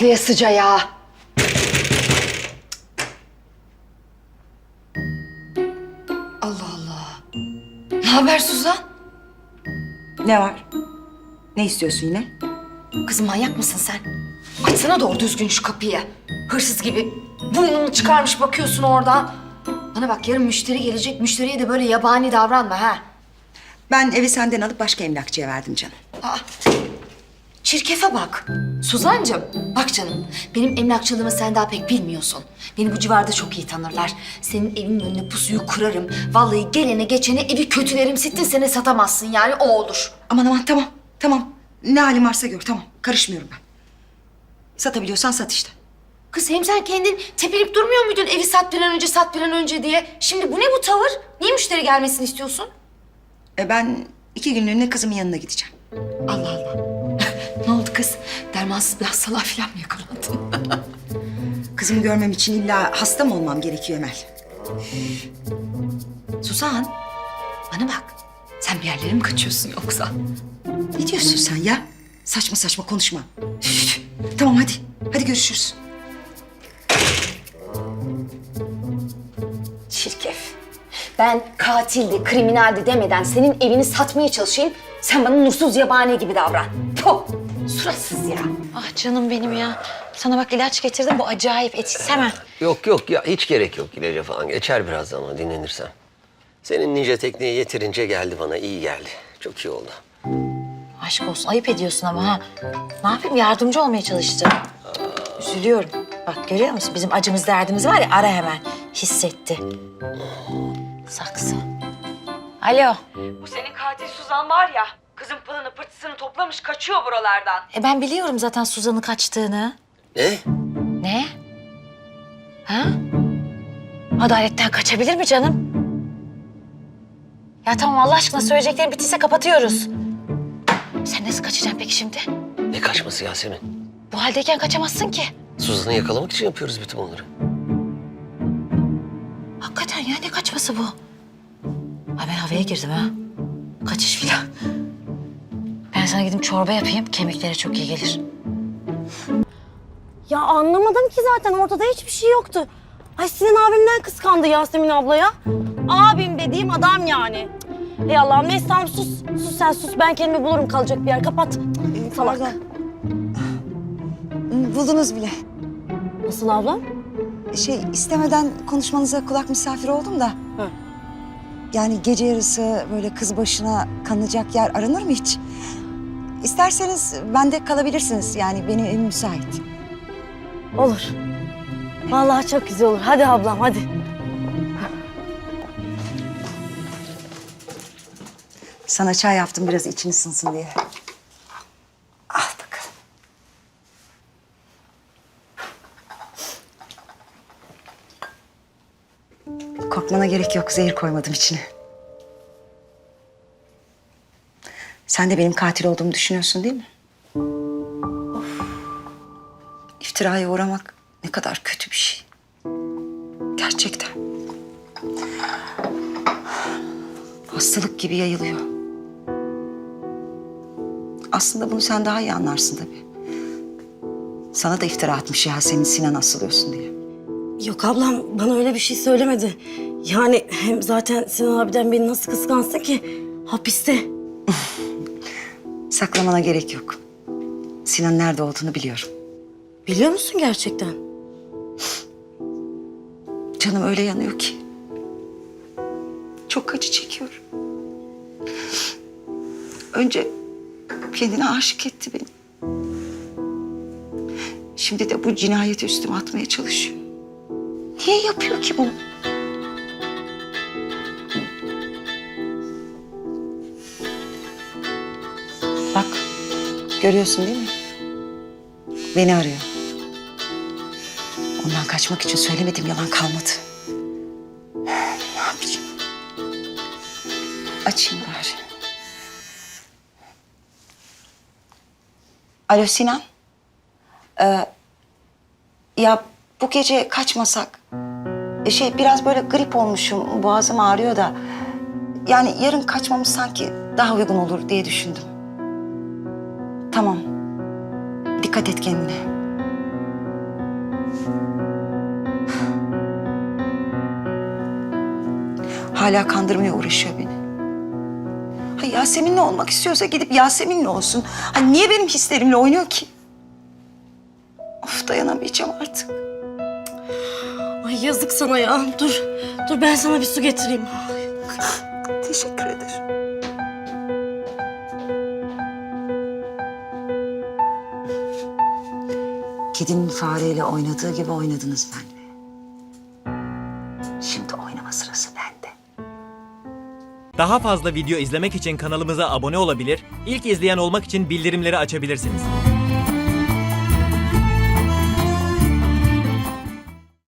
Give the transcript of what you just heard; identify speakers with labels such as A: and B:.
A: patlayasıca ya. Allah Allah. Ne haber Suzan?
B: Ne var? Ne istiyorsun yine?
A: Kızım manyak mısın sen? Açsana doğru düzgün şu kapıyı. Hırsız gibi burnunu çıkarmış bakıyorsun oradan. Bana bak yarın müşteri gelecek. Müşteriye de böyle yabani davranma ha.
B: Ben evi senden alıp başka emlakçıya verdim canım.
A: Aa, çirkefe bak. Suzancığım, bak canım. Benim emlakçılığımı sen daha pek bilmiyorsun. Beni bu civarda çok iyi tanırlar. Senin evinin önüne pusuyu kurarım. Vallahi gelene geçene evi kötülerim. Sittin sene satamazsın yani o olur.
B: Aman aman tamam, tamam. Ne halin varsa gör, tamam. Karışmıyorum ben. Satabiliyorsan sat işte.
A: Kız hem sen kendin tepinip durmuyor muydun evi sat bir an önce, sat bir an önce diye? Şimdi bu ne bu tavır? Niye müşteri gelmesini istiyorsun?
B: Ben 2 günlüğüne kızımın yanına gideceğim.
A: Allah Allah. Ne oldu kız? Dermansız bir hastalığa falan mı yakalandın?
B: Kızımı görmem için illa hasta mı olmam gerekiyor Emel?
A: Suzan, bana bak. Sen bir yerlere mi kaçıyorsun yoksa?
B: Ne diyorsun sen ya? Saçma saçma konuşma. Üf. Tamam hadi, hadi görüşürüz.
A: Çirkef. Ben katildi, kriminaldi demeden senin evini satmaya çalışayım. Sen bana nursuz yabani gibi davran. Puh, suratsız ya.
C: Ah canım benim ya. Sana bak ilaç getirdim. Bu acayip etkisiz hemen.
D: Yok yok ya hiç gerek yok ilaca falan. Geçer birazdan o dinlenirsen. Senin ninja tekniği yeterince geldi bana. İyi geldi. Çok iyi oldu.
C: Aşk olsun. Ayıp ediyorsun ama ha. Ne yapayım? Yardımcı olmaya çalıştım. Üzülüyorum. Bak görüyor musun? Bizim acımız derdimiz var ya ara hemen. Hissetti. Saksı. Alo.
E: Bu senin katil Suzan var ya, kızın pılını pırtısını toplamış kaçıyor buralardan.
C: Ben biliyorum zaten Suzan'ın kaçtığını.
D: Ne?
C: Ne? Ha? Adaletten kaçabilir mi canım? Ya tamam Allah aşkına söyleyeceklerim bittiyse kapatıyoruz. Sen nasıl kaçacaksın peki şimdi?
D: Ne kaçması Yasemin?
C: Bu haldeyken kaçamazsın ki.
D: Suzan'ı yakalamak için yapıyoruz bütün bunları.
C: Hakikaten ya ne kaçması bu? Ay ben havaya girdim ha. Kaçış filan. Ben sana gidip çorba yapayım. Kemiklere çok iyi gelir.
F: Ya anlamadım ki zaten ortada hiçbir şey yoktu. Ay Sinan abimden kıskandı Yasemin ablaya. Abim dediğim adam yani. Ey Allah'ım neyse tamam sus. Sus sen sus ben kendimi bulurum kalacak bir yer kapat. Salak.
B: Buldunuz bile.
F: Nasıl ablam?
B: İstemeden konuşmanıza kulak misafir oldum da.
F: Hı.
B: Yani gece yarısı böyle kız başına kalınacak yer aranır mı hiç? İsterseniz bende kalabilirsiniz. Yani benim evim müsait.
F: Olur. Vallahi çok güzel olur. Hadi ablam hadi.
B: Sana çay yaptım biraz için ısınsın diye. Al bakalım. Korkmana gerek yok. Zehir koymadım içine. Sen de benim katil olduğumu düşünüyorsun değil mi? Of. İftiraya uğramak ne kadar kötü bir şey. Gerçekten. Hastalık gibi yayılıyor. Aslında bunu sen daha iyi anlarsın tabii. Sana da iftira atmış Yasemin Sinan asılıyorsun diye.
F: Yok ablam bana öyle bir şey söylemedi. Yani hem zaten Sinan abiden beni nasıl kıskansın ki? Hapiste.
B: Saklamana gerek yok. Sinan'ın nerede olduğunu biliyorum.
F: Biliyor musun gerçekten?
B: Canım öyle yanıyor ki. Çok acı çekiyorum. Önce kendine aşık etti beni. Şimdi de bu cinayeti üstüme atmaya çalışıyor. Niye yapıyor ki bunu? Bak, görüyorsun değil mi? Beni arıyor. Ondan kaçmak için söylemedim, yalan kalmadı. Ne yapayım? Açayım bari. Alo Sinan. Ya bu gece kaçmasak? Biraz böyle grip olmuşum, boğazım ağrıyor da. Yani yarın kaçmamız sanki daha uygun olur diye düşündüm. Tamam. Dikkat et kendine. Hala kandırmaya uğraşıyor beni. Ha, Yasemin'le olmak istiyorsa gidip Yasemin'le olsun. Ha, niye benim hislerimle oynuyor ki? Of, dayanamayacağım artık.
F: Ay yazık sana ya. Dur ben sana bir su getireyim.
B: Teşekkür ederim. Kedinin fareyle oynadığı gibi oynadınız benimle. Şimdi oynama sırası bende.
G: Daha fazla video izlemek için kanalımıza abone olabilir, ilk izleyen olmak için bildirimleri açabilirsiniz.